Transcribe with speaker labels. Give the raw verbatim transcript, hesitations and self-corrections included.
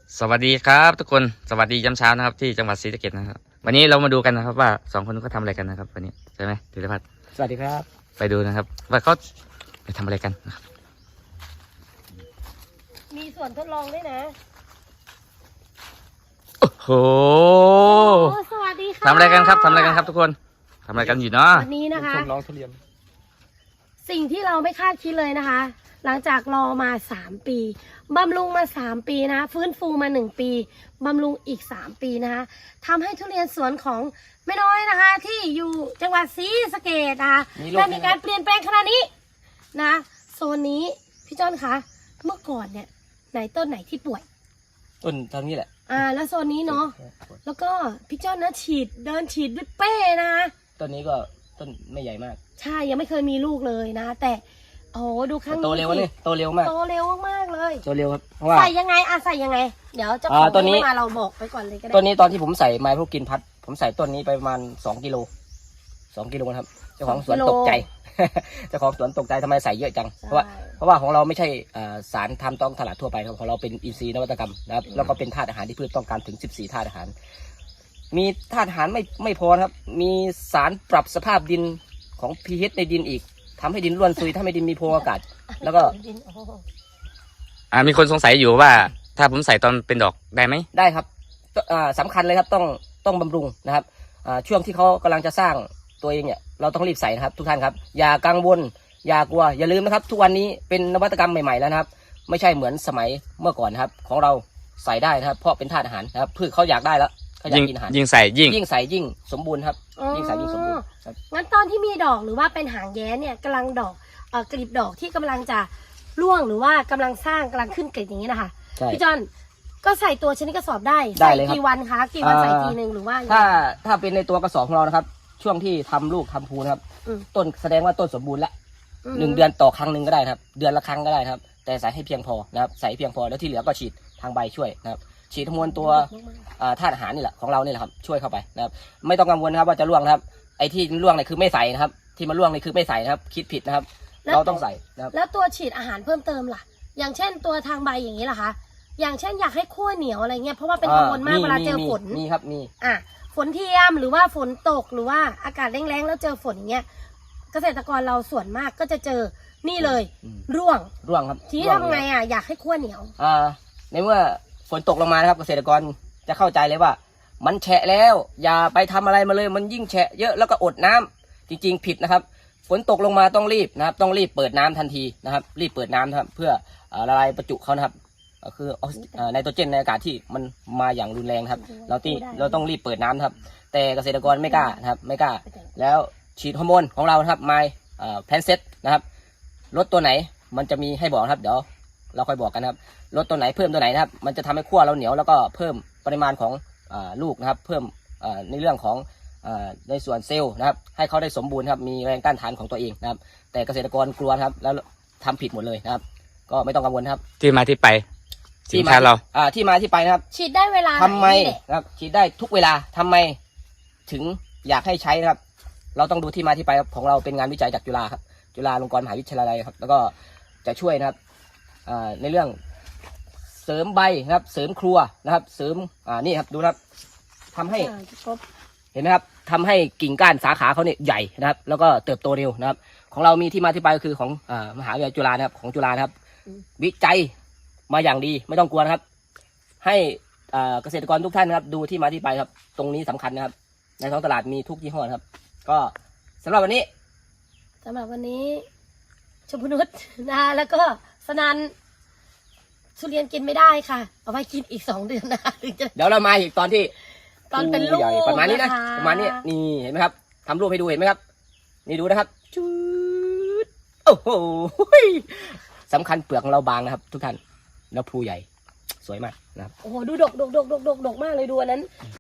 Speaker 1: สวัสดีครับทุกคนสวัสดียามเช้านะครับที่จังหวัดศรีสะเกษนะครับวันนี้เรามาดูกันนะครับว่าสองคนเขาทำอะไรกันนะครับวันนี้ใช่ไหมธีรพัฒน์
Speaker 2: สวัสดีครับ
Speaker 1: ไปดูนะครับว่าเขาไปทำอะไรกันนะครับ
Speaker 3: มีส่วนทดลองด้วยนะ
Speaker 1: โอ้โห
Speaker 3: สวัสดีค่ะ
Speaker 1: ทำอะไรกันครับทำอะไรกันครับทุกคนทำอะไรกันอยู่เนาะ
Speaker 3: วันนี้นะคะ
Speaker 2: ชมน้องทุเรียน
Speaker 3: สิ่งที่เราไม่คาดคิดเลยนะคะหลังจากรอมาสามปีบำรุงมาสามปีนะฟื้นฟูมาหนึ่งปีบำรุงอีกสามปีนะคะทำให้ทุเรียนสวนของแม่น้อยนะคะที่อยู่จังหวัดศรีสะเกษนะคะได้มีการเปลี่ยนแปลงขนาดนี้นะโซนนี้พี่จ้อนคะเมื่อก่อนเนี่ยไหนต้นไหนที่ป่วย
Speaker 2: ต้นทางนี้แหละ
Speaker 3: อ่าแล้วโซนนี้เนาะแล้วก็พี่จ้อนนะฉีดเดินฉีดด้วยเป้นะ
Speaker 2: ต้นนี้ก็ต้นไม่ใหญ่มาก
Speaker 3: ใช่ยังไม่เคยมีลูกเลยนะแต่โอ้โหดูครั้งนี้
Speaker 2: โตเร็วเลยโตเร็วมาก
Speaker 3: โตเร็วมากเลย
Speaker 2: โตเร็วครับเพราะว่า
Speaker 3: ใส่ยังไงอะใส่ยังไงเดี๋ยวเจ้าของไม่มาเราบอกไปก่อนเลยก็ได้
Speaker 2: ต้นนี้ตอนที่ผมใส่ไม้พวกกินพัดผมใส่ต้นนี้ไปประมาณสองกิโลสองกิโลนะครับเจ้าของสวนตกใจเจ้าของสวนตกใจทำไมใส่เยอะจังเพราะว่าเพราะว่าของเราไม่ใช่สารทำต้องตลาดทั่วไปครับของเราเป็นอินทรีย์นวัตกรรมนะครับแล้วก็เป็นธาตุอาหารที่พืชต้องการถึงสิบสี่ธาตุอาหารมีธาตุอาหารไม่ไม่พอครับมีสารปรับสภาพดินของ pH ในดินอีกทำให้ดินร่วนซุยถ้าไม่ดินมีโพรงอากาศแล้วก็
Speaker 1: อ่ามีคนสงสัยอยู่ว่าถ้าผมใส่ตอนเป็นดอกได้ไหม
Speaker 2: ได้ครับอ่าสำคัญเลยครับต้องต้องบำรุงนะครับอ่าช่วงที่เขากำลังจะสร้างตัวเองเนี่ยเราต้องรีบใส่นะครับทุกท่านครับอย่ากังวลอย่ากลัวอย่าลืมนะครับทุกวันนี้เป็นนวัตกรรมใหม่ๆแล้วนะครับไม่ใช่เหมือนสมัยเมื่อก่อนนะครับของเราใส่ได้นะครับเพราะเป็นธาตุอาหารนะครับพืชเขาอยากได้แล้วเขาอยากกินอาหาร
Speaker 1: ยิ่งใส่ยิ่ง
Speaker 2: ยิ่งใส่ยิ่งสมบูรณ์ครับยิ่งใส่ยิ่งสมบูรณ์
Speaker 3: งั้นตอนที่มีดอกหรือว่าเป็นหางแย้เนี่ยกำลังดอกเอ่อกลีบดอกที่กำลังจะร่วงหรือว่ากำลังสร้างกำลังขึ้นกลีบอย่างนี้นะคะพี่จอนก็ใส่ตัวชนิดกระสอบได้ใส่กี่วันคะกี่วันใส่ทีหนึ่งหรือว่า
Speaker 2: ถ้าถ้าเป็นในตัวกระสอบของเรานะครับช่วงที่ทำลูกทำภูนะครับต้นแสดงว่าต้นสมบูรณ์แล้วหนึ่งเดือนต่อครั้งหนึ่งก็ได้ครับเดือนละครั้งก็ได้ครับแต่ใส่ให้เพียงพอนะครับใส่เพียงพอแล้วที่เหลือก็ฉีดทางใบช่วยนะครับฉีดฮอร์โมนตัวธาตุอาหารนี่แหละของเรานี่แหละครับช่วยเข้าไปนะครับไม่ต้องกังวลนะครับว่าจะร่วงนะครับไอ้ที่ร่วงเนี่ยคือไม่ใส่นะครับที่มันร่วงนี่คือไม่ใส่นะครับคิดผิดนะครับเราต้องใส่นะครับ
Speaker 3: แล้วตัวฉีดอาหารเพิ่มเติมล่ะอย่างเช่นตัวทางใบอย่างนี้ล่ะคะอย่างเช่นอยากให้ขั้วเหนียวอะไรเงี้ยเพราะว่าเป็นกังวลมากเวลาเจอฝน
Speaker 2: มีครับมี
Speaker 3: อ่ะฝนเทียมหรือว่าฝนตกหรือว่าอากาศแรงๆแล้วเจอฝนอย่างเงี้ยเกษตรกรเราส่วนมากก็จะเจอนี่เลยร่วง
Speaker 2: ร่วงครับ
Speaker 3: ทีนี้ทำไงอ่ะอยากให้ขั้วเหนียว
Speaker 2: อ่าในเมื่อฝนตกลงมานะครับเกษตรกรจะเข้าใจเลยว่ามันแฉะแล้วอย่าไปทำอะไรมาเลยมันยิ่งแฉะเยอะแล้วก็อดน้ำจริงๆผิดนะครับฝนตกลงมาต้องรีบนะครับต้องรีบเปิดน้ำทันทีนะครับรีบเปิดน้ำนะครับเพื่อละลายประจุเขานะครับคือไนโตรเจนในอากาศที่มันมาอย่างรุนแรงครับเราตีเราต้องรีบเปิดน้ำครับแต่เกษตรกรไม่กล้านะครับไม่กล้าแล้วฉีดฮอร์โมนของเราครับไมแพนเซตนะครับลดตัวไหนมันจะมีให้บอกครับเดี๋ยวเราค่อยบอกกันครับลดตัวไหนเพิ่มตัวไหนนะครับมันจะทำให้ขั้วเราเหนียวแล้วก็เพิ่มปริมาณของลูกนะครับเพิ่มในเรื่องของในส่วนเซลล์นะครับให้เขาได้สมบูรณ์ครับมีแรงต้านทานของตัวเองนะครับแต่เกษตรกรกลัวครับแล้วทำผิดหมดเลยนะครับก็ไม่ต้องกังวลครับ
Speaker 1: ที่มาที่ไปสินค้าเรา
Speaker 2: อ่าที่มาที่ไปนะครับ
Speaker 3: ฉีดได้เวลา
Speaker 2: ทำไมนะครับฉีดได้ทุกเวลาทำไมถึงอยากให้ใช้นะครับเราต้องดูที่มาที่ไปของเราเป็นงานวิจัยจากจุฬาครับจุฬาลงกรณ์มหาวิทยาลัยครับแล้วก็จะช่วยนะครับในเรื่องเสริมใบนะครับเสริมครัวนะครับเสริมอ่านี่ครับดูนะครับทำให้เห็นไหมครับทำให้กิ่งก้านสาขาเขาเนี่ยใหญ่นะครับแล้วก็เติบโตเร็วนะครับของเรามีที่มาที่ไปก็คือของอ่ามหาวิทยาลัยจุฬานะครับของจุฬานะครับวิจัยมาอย่างดีไม่ต้องกลัวนะครับให้เกษตรกรทุกท่านนะครับดูที่มาที่ไปครับตรงนี้สำคัญนะครับในท้องตลาดมีทุกยี่ห้อครับก็สำหรับวันนี้
Speaker 3: สำหรับวันนี้ชมพูนุชนะแล้วก็สนันทุเรียนกินไม่ได้ค่ะเอาไว้กินอีกสองเดือนนะถึงจะ
Speaker 2: เดี๋ยวเรามาอีกตอนที่
Speaker 3: ตอนเป็นลูก
Speaker 2: ประมาณนี้นะประมาณนี้นี่เห็นไหมครับทำรูปให้ดูเห็นไหมครับนี่ดูนะครับชุดโอ้โหสำคัญเปลือกของเราบางนะครับทุกท่านแล้วภูใหญ่สวยมากนะครับ
Speaker 3: โอ้โหดูดกดกดกดกดกดกมากเลยดูอันนั้น